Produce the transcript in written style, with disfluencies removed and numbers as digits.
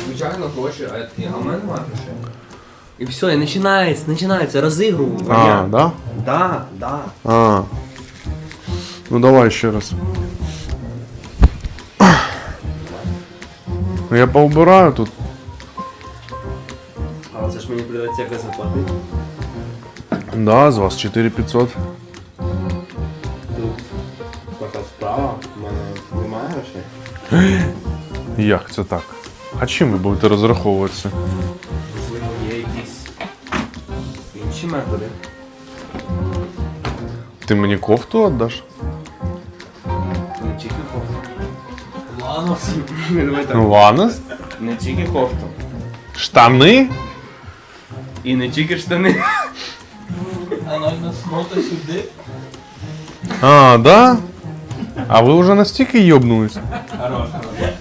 звичайно гроші, а я такий, а в мене немає грошей. І все, і починається розігрування. А, да? Да. А. Ну давай ще раз. Ну, я поубираю тут. Але це ж мені придеться якось заплатити. Да, з вас 4500. Тут така справа, в мене немає грошей. Як це так? А чим ви будете розраховуватися? Можливо, є якісь інші методи. Ти мені кофту віддаш? Не тільки кофту. Ладно. Давай так. Ланос? Не тільки кофту. Штани? І не тільки штани. Анальна смота сюди. А, да? А ви вже настільки йобнулись? Хорош, хорош.